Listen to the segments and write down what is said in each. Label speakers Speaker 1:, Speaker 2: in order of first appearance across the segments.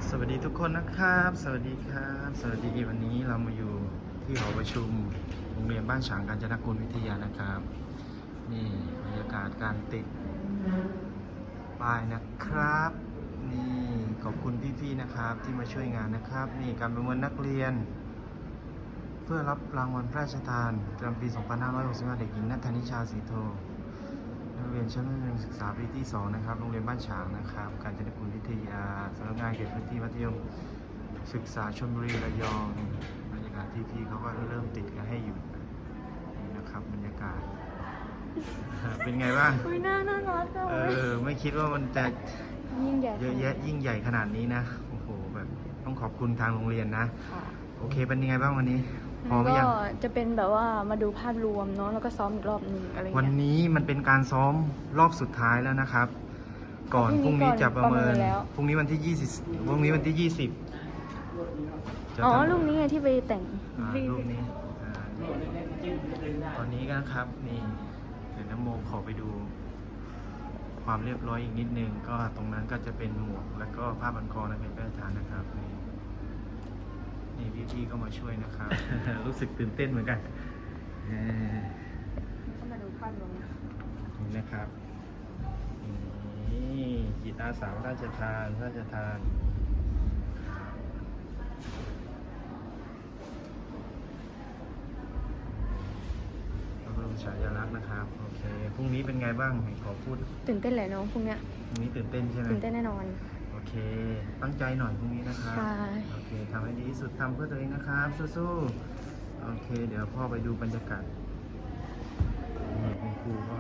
Speaker 1: สวัสดีทุกคนนะครับ สวัสดีครับ สวัสดีวันนี้เรามาอยู่ที่หอประชุมโรงเรียนบ้านฉางกาญจนกุลวิทยานะครับ นี่บรรยากาศการติดป้ายนะครับ นี่ขอบคุณพี่ๆนะครับที่มาช่วยงานนะครับ นี่การประเมินนักเรียน เพื่อรับรางวัลพระราชทานประจำปี 2565 เด็กหญิงณัฐนิชาศรีโทนักเรียนชั้นมัธยมศึกษาปีที่ 2 นะครับ โรงเรียนบ้านฉางนะครับกาญจนกุลวิทยาสำนักงานเขตพื้นที่มัธยมศึกษาชลบุรีระยองบรรยากาศพี่ๆเขาก็เริ่มติดกันให้อยู่นี่นะครับบรรยากาศ เป็นไงบ้าง
Speaker 2: น่ารักเลย
Speaker 1: ไม่คิดว่ามันจะ
Speaker 2: ยิ่งใหญ่
Speaker 1: เยอะแยะยิ่งใหญ่ขนาดนี้นะโอ้โหแบบต้องขอบคุณทางโรงเรียนนะโอเคเป็นยังไงบ้างวันนี้พอไหมยัง
Speaker 2: ก็จะเป็นแบบว่ามาดูภาพรวมเนาะแล้วก็ซ้อมอีกรอบหนึ่งอะไร
Speaker 1: วันนี้มันเป็นการซ้อมรอบสุดท้ายแล้วนะครับ ก่อนพรุ่งนี้จะประเมินพรุ่งนี้วันที่20พรุ่งนี้วันที่20
Speaker 2: อ๋อลูกนี้ที่ไปแต่ง
Speaker 1: ลูกนี้ตอนนี้ก็ครับนี่เดี๋ยวน้ำโมขอไปดูความเรียบร้อยอีกนิดนึงก็ตรงนั้นก็จะเป็นหมวกแล้วก็ผ้าพันคอในเป็นพระราชทานนะครับนี่พี่ๆก็มาช่วยนะครับ รู้สึกตื่นเต้นเหมือนกัน
Speaker 2: ก็มาดูภาพรวม
Speaker 1: นี่นะครับนี่จิตอาสาพระราชทานพระราชทานพระบรมฉายาลักษณ์นะครับโอเคพรุ่งนี้เป็นไงบ้างขอพูด
Speaker 2: ตื่นเต้นแหละน้องพรุ่งนี้
Speaker 1: พรุ่งนี้ตื่นเต้นใช่ไหม
Speaker 2: ตื่นเต้นแน่นอน
Speaker 1: โอเคตั้งใจหน่อยพรุ่งนี้นะครับ
Speaker 2: ใช่
Speaker 1: โอเคทำให้ดีที่สุดทำเพื่อตัวเองนะครับสู้ๆโอเคเดี๋ยวพ่อไปดูบรรยากาศนี่คุณครูก็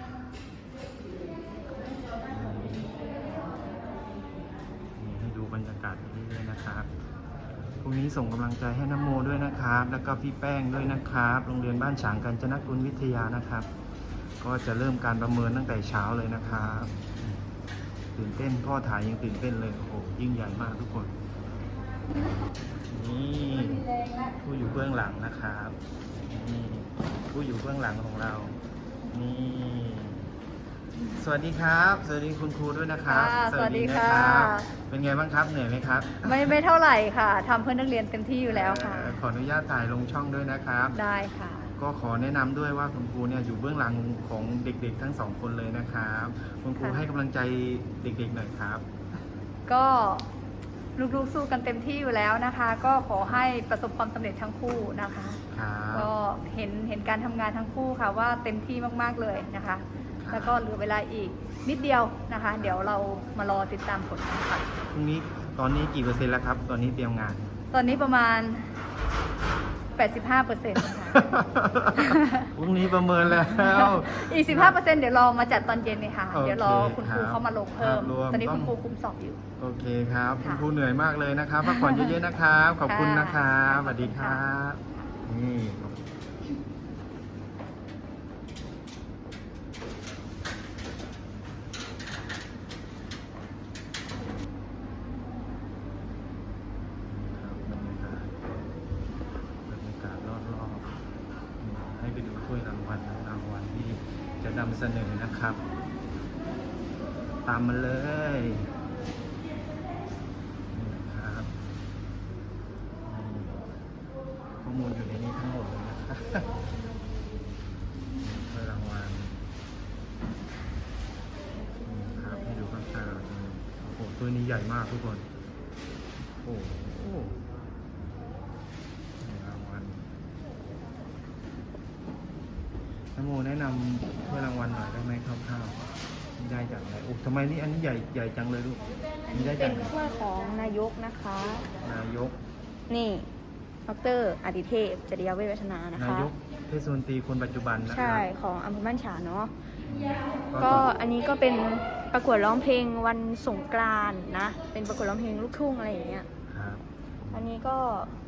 Speaker 1: ให้ดูบรรยากาศเรื่อยๆนะครับพรุ่งนี้ส่งกำลังใจให้น้ำโมด้วยนะครับแล้วก็พี่แป้งด้วยนะครับโรงเรียนบ้านฉางกาญจนกุลวิทยานะครับก็จะเริ่มการประเมินตั้งแต่เช้าเลยนะครับตื่นเต้นพ่อถ่ายยังตื่นเต้นเลยโอ้โหยิ่งใหญ่มากทุกคนนี่ผู้อยู่เบื้องหลังนะครับนี่ผู้อยู่เบื้องหลังของเรานี่สวัสดีครับสวัสดีคุณครูด้วยนะครับ
Speaker 2: สวัสดีค่ะ
Speaker 1: เป็นไงบ้างครับเหนื่อยไหมครับ
Speaker 2: ไม่เท่าไหร่ค่ะทำเพื่อนักเรียนเต็มที่อยู่แล้วค่ะ
Speaker 1: ขออนุญาตถ่ายลงช่องด้วยนะครับ
Speaker 2: ได้ค่ะ
Speaker 1: ก็ขอแนะนำด้วยว่าคุณครูเนี่ยอยู่เบื้องหลังของเด็กๆทั้งสองคนเลยนะครับคุณครูให้กำลังใจเด็กๆหน่อยครับ
Speaker 2: ก็ลูกๆสู้กันเต็มที่อยู่แล้วนะคะก็ขอให้ประสบความสำเร็จทั้งคู่นะคะก็เห็นการทำงานทั้งคู่ค่ะว่าเต็มที่มากๆเลยนะคะแล้วก็เหลือเวลาอีกนิดเดียวนะคะเดี๋ยวเรามารอติดตามผลกันค่ะ
Speaker 1: พรุ่งนี้ตอนนี้กี่เปอร์เซ็นต์แล้วครับตอนนี้เตรียมงาน
Speaker 2: ตอนนี้ประมาณ 85%ค่ะ
Speaker 1: พรุ่งนี้ประเมินแล้ว
Speaker 2: อีก 15% เดี๋ยวรอมาจัดตอนเย็นเลยค่ะเดี๋ยวรอคุณครูเข้ามาลงเพิ่มตอนนี้คุณครูคุมสอบอยู่
Speaker 1: โอเคครับคุณครูเหนื่อยมากเลยนะครับพักผ่อนเยอะๆนะครับขอบคุณนะครับสวัสดีครับนี่ให้ไปดูถ้วยรางวัลที่จะนำเสนอนะครับตามมาเลยนี่ครับข้อมูลอยู่ในนี้ทั้งหมดเลยนะครับถ้วยรางวัลนี่ครับให้ดูข้างๆเราโอ้โหถ้วยนี้ใหญ่มากทุกคนโอ้โหน้ำโมแนะนำถ้วยรางวัลหน่อยได้ไหมคร่าวๆได้จากไหนโอ้ทำไมนี่อันนี้ใหญ่จังเลยลูก
Speaker 2: นี่ได้จากเป็นถ้วยของนายกนะคะ
Speaker 1: นายก
Speaker 2: นี่ดร.อดิเทพจริยเวชวัฒนานะคะ
Speaker 1: นายกเทศมนตรีคนปัจจุบันนะครับ
Speaker 2: ใช่ของอำเภอบ้านฉางเนาะก็อันนี้ก็เป็นประกวดร้องเพลงวันสงกรานต์นะเป็นประกวดร้องเพลงลูกทุ่งอะไรอย่างเงี้ยอันนี้ก็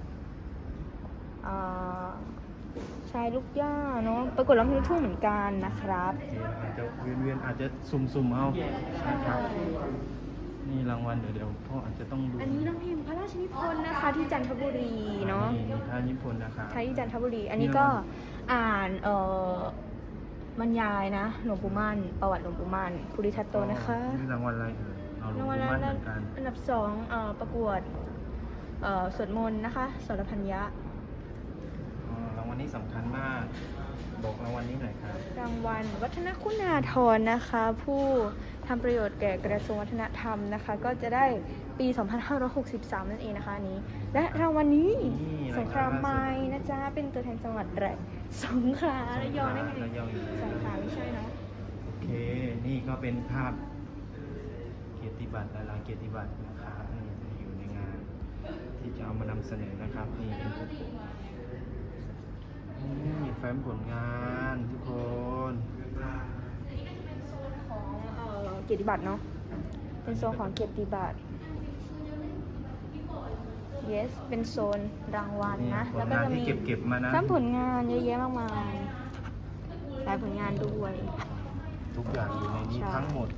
Speaker 2: ชายลูกย่าเนาะประกวดร้องเพลงลูกทุ่งเหมือนกันนะครับ
Speaker 1: อาจจะเวียนอาจจะสุ่มเอานะครับนี่รางวัลเดี๋ยวพ่ออาจจะต้องดู
Speaker 2: อันนี้น้องพิมพ์พระราชนิพนธ์นะคะที่จันทบุรีเนาะ
Speaker 1: นี่พระราชนิพนธ์นะครับ
Speaker 2: ที่จันทบุรีอันนี้ก็อ่านบรรยายนะหลวงปู่มั่นประวัติหลวงปู่มั่นภูริทัตโตนะคะ
Speaker 1: นี่รางวัลอะไรเอ่ยเอาหลว
Speaker 3: ราง งวัล
Speaker 1: ปู่มั่นเหมือนกัน
Speaker 3: อันดับ2ประกวดสวดมนต์นะคะสรพัญญะ
Speaker 1: รางวัลนี้สำคัญมาก บอกรางวัลนี้หน่อยครับ
Speaker 3: รางวัลวัฒนคุณาธรนะคะ ผู้ทำประโยชน์แก่กระทรวงวัฒนธรรมนะคะ ก็จะได้ปี 2563 นั่นเองนะคะอันนี้ และรางวัลนี้
Speaker 1: นี่
Speaker 3: สงครามไม้นะจ๊ะ เป็นตัวแทนจังหวัดสงขลาระยองได้ไง
Speaker 1: ระยองอยู่
Speaker 3: สงขลาไม่ใช่เนาะ
Speaker 1: โอเค นี่ก็เป็นภาพเกียรติบัตรหลายๆเกียรติบัตรนะครับนี่ที่อยู่ในงาน ที่จะเอามานำเสนอนะครับ นี่แฟ้มผลงานทุกคน
Speaker 3: ของเกียรติบัตรเนาะ เป็นโซนของเกียรติบัตร yes เป็นโซนรางวัลนะ
Speaker 1: ผ
Speaker 3: แล้
Speaker 1: ล
Speaker 3: วก็
Speaker 1: งาน
Speaker 3: จะ
Speaker 1: ที่
Speaker 3: มี
Speaker 1: เก็บมานะ
Speaker 3: ซ้ำผลงานเยอะแยะมากมายหลายผลงานด้วย
Speaker 1: ทุกอย่างอยู่ในนี้
Speaker 3: ใช่
Speaker 1: ทั้งหมด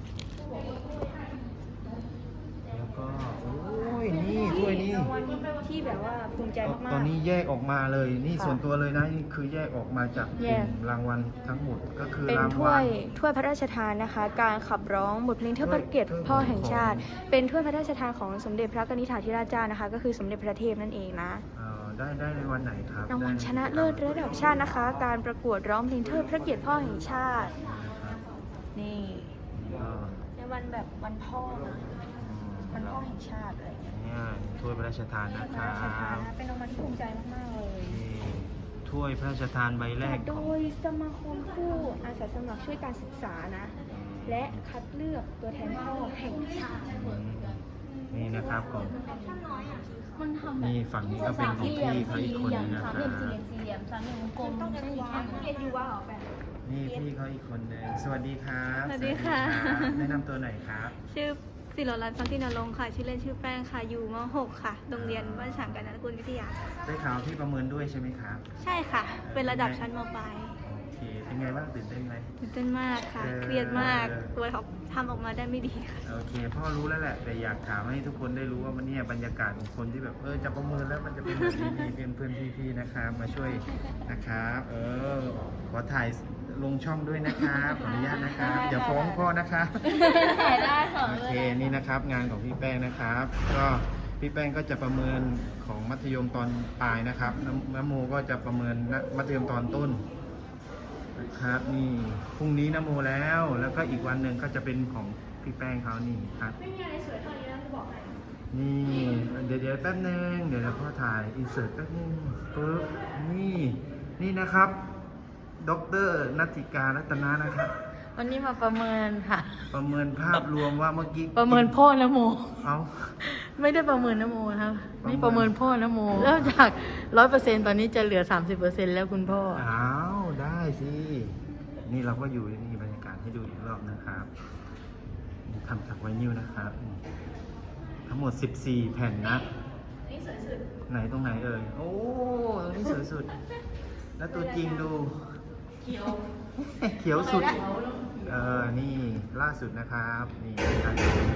Speaker 1: แล้วก็ โอ้ย นี่ถ้วยนี้
Speaker 3: รางวัลที่แบบว่าภูมิใจมากๆ
Speaker 1: ตอนนี้แยกออกมาเลย นี่
Speaker 3: ค่ะ
Speaker 1: ส่วนตัวเลยนะ นี่คือแยกออกมาจากก
Speaker 3: แย
Speaker 1: ลุ่
Speaker 3: ก
Speaker 1: มรางวัลทั้งหมด ก็คือ
Speaker 3: เป็น
Speaker 1: ราง
Speaker 3: ถ้ว
Speaker 1: วัล
Speaker 3: ยพระราชทานนะคะ การขับร้องบทเพลงเทิดพระเกียรติพ่อแห่งชาติ เป็นถ้วยพระราชทานของสมเด็จพระกนิษฐาธิราชเจ้านะคะ ก็คือสมเด็จพระเทพนั่นเองนะ
Speaker 1: ได้ในวันไหนครับ
Speaker 3: รางวัลชนะเลิศระดับชาตินะคะ การประกวดร้องเพลงเทิดพระเกียรติพ่อแห่งชาติ
Speaker 1: นะครับ
Speaker 3: นี่
Speaker 1: ก็
Speaker 3: ในวันแบบวันพ่อนะวันพ่อแห่งชาติอะไรอย่างเงี้ย
Speaker 1: เนี่ยถ้วยพระราชทานนะค
Speaker 3: พระ
Speaker 1: รั
Speaker 3: ราชทาน
Speaker 1: บ
Speaker 3: นะเป็นรางวัลที่ภูมิใจมากๆเลย
Speaker 1: นี่ถ้วยพระราชทานใบแรก
Speaker 3: โด
Speaker 1: ของ
Speaker 3: ยสมาคมผู้อาสาสมัครช่วยการศึกษานะ และคัดเลือกตัวแทนพ่อแห่งชาติ
Speaker 1: นี่นะครับผม
Speaker 2: มันทำแบบ
Speaker 1: นี่ฝั่งนี้ก็เป็นของพี่เขาอีกคนนึงนะค
Speaker 2: สาม
Speaker 1: รั
Speaker 2: เหลี่ยม
Speaker 1: บ
Speaker 2: สี่เหลี่ยมสามเหลี่ยมกลม
Speaker 3: ต้อง
Speaker 2: ใช่
Speaker 3: เรียน
Speaker 2: ไหม
Speaker 3: ว่าเรียนยูว่าเหรอแฟน
Speaker 1: นี่พี่เขาอีกคนนึงสวัสดีครับ
Speaker 2: สวัสดีค่ะ
Speaker 1: สวัสดีครับแนะนำตัวหน่อยครับ
Speaker 2: ชื่อศิรรัตน์ฟังที่นรงค์ค่ะ ชื่อเล่นชื่อแป้งค่ะ อยู่ม .6 ค่ะ โรงเรียนบ้านฉางกาญจนกุลวิทยา
Speaker 1: ได้ข่าวพี่ประเมินด้วยใช่ไหมครับ
Speaker 2: ใช่ค่ะ เป็นระดับชั้นมปลาย
Speaker 1: โอเค เป็นไงบ้างตื่นเต้นไหม
Speaker 2: ตื่นเต้นมากค่ะ เครียดมาก ตัวเขาทำออกมาได้ไม่ดีค่ะ
Speaker 1: โอเค พ่อรู้แล้วแหละ แต่อยากถามให้ทุกคนได้รู้ว่าวันนี้บรรยากาศของคนที่แบบจะประเมินแล้วมันจะเป็นแบบนี้นี่เป็นเพื่อนพี่ๆนะครับ มาช่วยนะครับ ขอถ่ายลงช่องด้วยนะครับขออนุญาตนะครับอย่าฟ้องพ่อนะครับ
Speaker 2: ได้ค่ะ
Speaker 1: โอเคนี่นะครับงานของพี่แป้งนะครับ ก็พี่แป้งก็จะประเมินของมัธยมตอนปลายนะครับน้ำโมก็จะประเมินมัธยมตอนต้นนะครับนี่พรุ่งนี้น้ำโมแล้วก็อีกวันหนึ่งก็จะเป็นของพี่แป้งเขานี่ครับ
Speaker 3: ไม่มีอะไรสวยเท่านี้นะจะบอกให้
Speaker 1: นี่เดี๋ยวแป๊บนึงเดี๋ยวเราพ่อถ่ายอินเสิร์ตแป๊บนึงปึ๊บนี่นะครับดร.นัทธิการรัตนานะครับ
Speaker 4: วันนี้มาประเมินค่ะ
Speaker 1: ประเมินภาพรวมว่าเมื่อกี้
Speaker 4: ประเมินพ่อนโม
Speaker 1: เอา
Speaker 4: ไม่ได้ประเมินนโมนะครับ
Speaker 1: ประเมิน
Speaker 4: นี่ประเมินพ่อนโมเริ่มจาก 100%ตอนนี้จะเหลือ 30%แล้วคุณพ่อ
Speaker 1: อ้าวได้สิ นี่เราก็อยู่นี่บรรยากาศให้ดูอีกรอบนะครับทำจากไวนิลนะครับทั้งหมด 14 แผ่นนะ
Speaker 3: นี่สวยสุด
Speaker 1: ไหนตรงไหนเอ่ย โอ้ตรงนี้สวยสุด แล้วตัวจริงดู
Speaker 3: เขียว
Speaker 1: เขียวสุด นี่ล่าสุดนะครับ นี่การ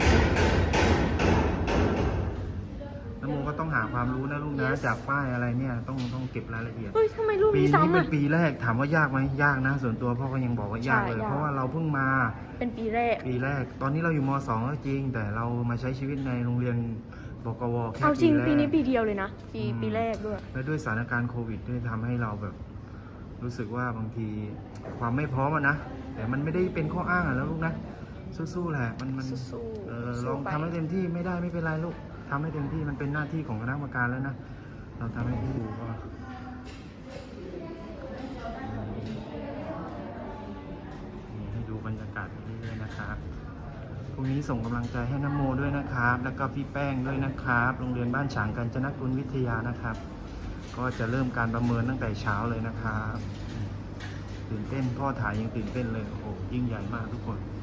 Speaker 1: น้ำโมก็ต้องหาความรู้นะลูกนะ จากป้ายอะไรเนี่ย ต้องเก็บรายละเอียด
Speaker 3: เฮ้ยทำไมรูป
Speaker 1: ปี
Speaker 3: นี้
Speaker 1: นี้
Speaker 3: ซ้ำ
Speaker 1: เป็
Speaker 3: อ่ะ
Speaker 1: นปีแรกถามว่ายากไหมยากนะ ส่วนตัวพ่อก็ยังบอกว่ายากเลย
Speaker 3: ใช่ยาก
Speaker 1: เพราะว่าเราเพิ่งมา
Speaker 3: เป็นปีแรก
Speaker 1: ปีแรก ตอนนี้เราอยู่ม .2 ก็จริง แต่เรามาใช้ชีวิตในโรงเรียนบกวแค่
Speaker 3: เอาจริง
Speaker 1: แรก
Speaker 3: ปีนี้ปีเดียวเลยนะ ปีแรกด้วย
Speaker 1: และด้วยสถานการณ์โควิดด้วยทำให้เราแบบรู้สึกว่าบางทีความไม่พร้อมอะนะ แต่มันไม่ได้เป็นข้ออ้างอะแล้วลูกนะ สู้ๆแหละมัน
Speaker 3: สู้ๆ
Speaker 1: ลอง
Speaker 3: สู้ไป
Speaker 1: ทำให้เต็มที่ไม่ได้ไม่เป็นไรลูกทำให้เต็มที่มันเป็นหน้าที่ของคณะกรรมการแล้วนะเราทำให้ที่ดูก็นี่ให้ดูบรรยากาศไปเรื่อยๆนะครับพรุ่งนี้ส่งกำลังใจให้น้ำโมด้วยนะครับ แล้วก็พี่แป้งด้วยนะครับโรงเรียนบ้านฉางกาญจนกุลวิทยานะครับ ก็จะเริ่มการประเมินตั้งแต่เช้าเลยนะครับตื่นเต้นพ่อถ่ายยังตื่นเต้นเลยโอ้โหยิ่งใหญ่มากทุกคน